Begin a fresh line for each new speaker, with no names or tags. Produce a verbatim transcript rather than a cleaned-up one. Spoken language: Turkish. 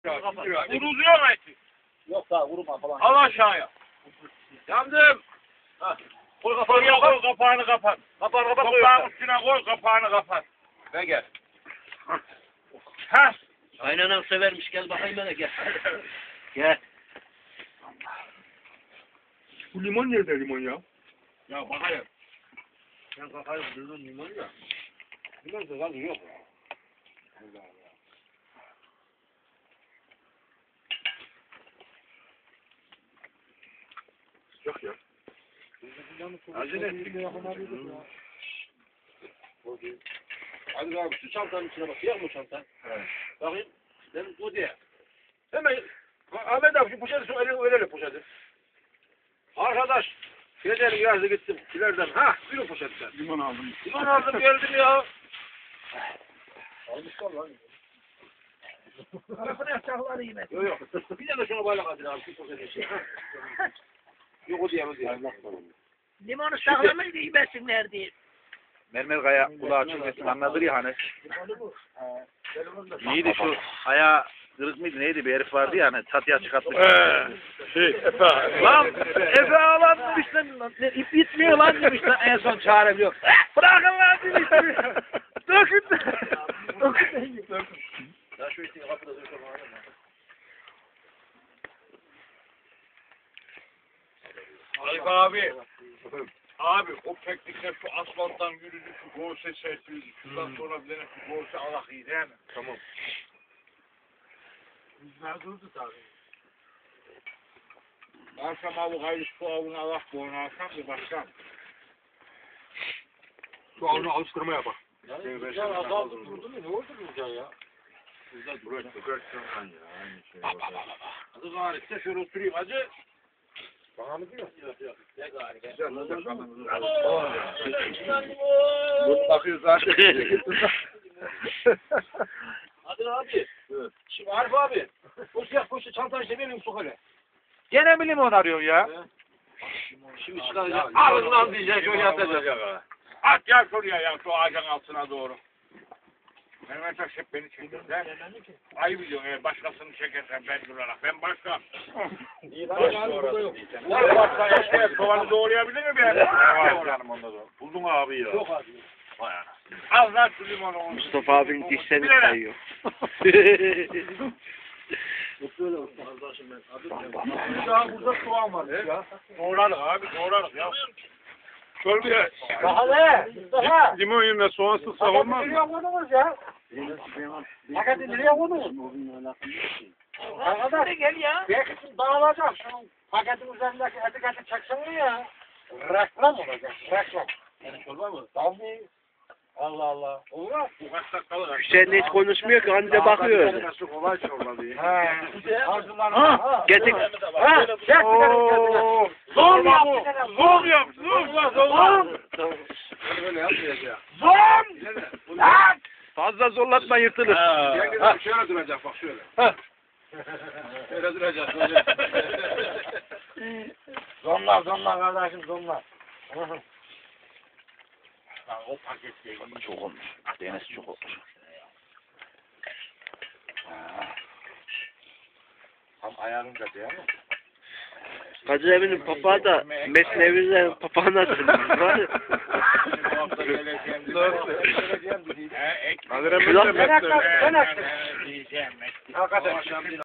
Vuruluyor mu eti?
Yok daha vurma falan.
Al aşağıya. Yandım.
Ha.
Koy kapağını kapat. Kapağını kapat.
Kapağını kapat.
Kapağın üstüne koy, kapağını kapat. Ve gel. Ha.
Aynen severmiş, gel bakayım bana gel. Gel.
Bu limon nerede limon ya?
Ya bakayım.
Sen kafayı kırdın limon ya. Limon da lan yok. Allah Allah.
Yok ya.
Acele ettik.
Hadi abi şu çantanın içine bak. Yak mı çantan?
Evet.
Bakayım. Benim o diye. Hemen Ahmet abi şu poşeti şu elini öyle poşeti. Arkadaş. Gidelim yazdı gittim. İleriden. Ha, buyurun poşetten.
Limon aldım.
Limon aldım geldim ya. Almışlar lan.
Arasına yapacakları yine.
Yok yok. Bir de şunu bayrak atın abi. Şu poşeti şey. Yok o diye o diye.
Limonu saklamayı da yemesinler diye.
Mermer kaya kulağı çözmesin anladır ya hani.
Limonu bu.
Neydi şu ayağı kırık mıydı neydi bir herif vardı ya hani çatıya çıkartmış.
Eee şey Efe.
Lan Efe ağlan demiş lan. Ne, ip bitmiyor lan demiş lan en son çağırabiliyor. Bırakın lan demiş. Dökün. Dökün.
Ya şu işte kapıda dur şunu alın.
Arif abi. Abi o teknikle şu asfalttan yürüdü, şu gorse serpildi. Şuradan sonra bir tane şu gorse alak iyi değil mi?
Tamam.
Rüzgar durdu tabii. Akşam avı kaydı şu avını alak boyuna alsam bir başkan.
Şu avını alıştırma yapar.
Ya adam durdu mu? Ne oldu Rüzgar ya?
Güzel duruyor.
Bak bak bak. Hadi gari size şöyle oturayım hacı. Bana mı diyor? Yok yok. Ne gari. Güzel.
Bunu bakıyor zaten.
Hadi abi. Evet. Şimdi Arif abi. O siyah poşet çantanı işte benim sok hele.
Gene mi limon arıyorsun ya?
Şimdi çıkaracak. Ağzından diyecek. Şöyle atacak.
At gel şuraya ya şu ağacın altına doğru. Mehmet Aş hep beni çekiyor. Sen ayı biliyorsun eğer başkasını çekersen ben durarak. Ben başka.
İyi
Baş
lan.
Ben başka eşeğe soğanı doğrayabilir mi ben?
Ne var canım onda da? Buldun abi ya.
Yok abi.
Vay ana.
Al lan şu limonu.
Mustafa abinin dişlerini
Bilerek.
sayıyor.
Böyle olsun. Arkadaşım ben. Adım
Daha burada soğan var. Ya. Doğrarız abi doğrarız ya.
Şöyle
Bahalı. Mustafa.
limon yerine soğan sıksak olmaz mı?
Nereye koydunuz ya? Paketi nereye koydunuz? Arkadaş.
Gel ya.
Belki şimdi dağılacak. Şunun paketin üzerindeki etiketi çeksene ya. Reklam olacak. Reklam. Yani çorba mı? Tabii. Allah Allah. Olur mu?
Bu kaç dakikalık?
Hüseyin hiç konuşmuyor ki anca bakıyor öyle.
Nasıl kolay çorba diye.
Ha.
Ha.
Getir.
Ha. Çek
Oo.
Zor yap bu. Zor yap. Zor. Zor.
Böyle yapmayacak.
Zor.
Lan!
Fazla zorlatma yırtılır.
Ha. Şöyle duracak bak şöyle. Ha. Şöyle duracak. Böyle. Zonlar zonlar kardeşim zonlar.
O paket değil.
Çok olmuş. Deniz çok olmuş.
Tam ayarınca değil mi?
Kadir Emin'in papağı da Mesnevi'nin papağanı atılmış. Var ya.
He, ek.
Kadir Emre
Şulan-
de mesleği.
Ben diyeceğim.
Hakikaten.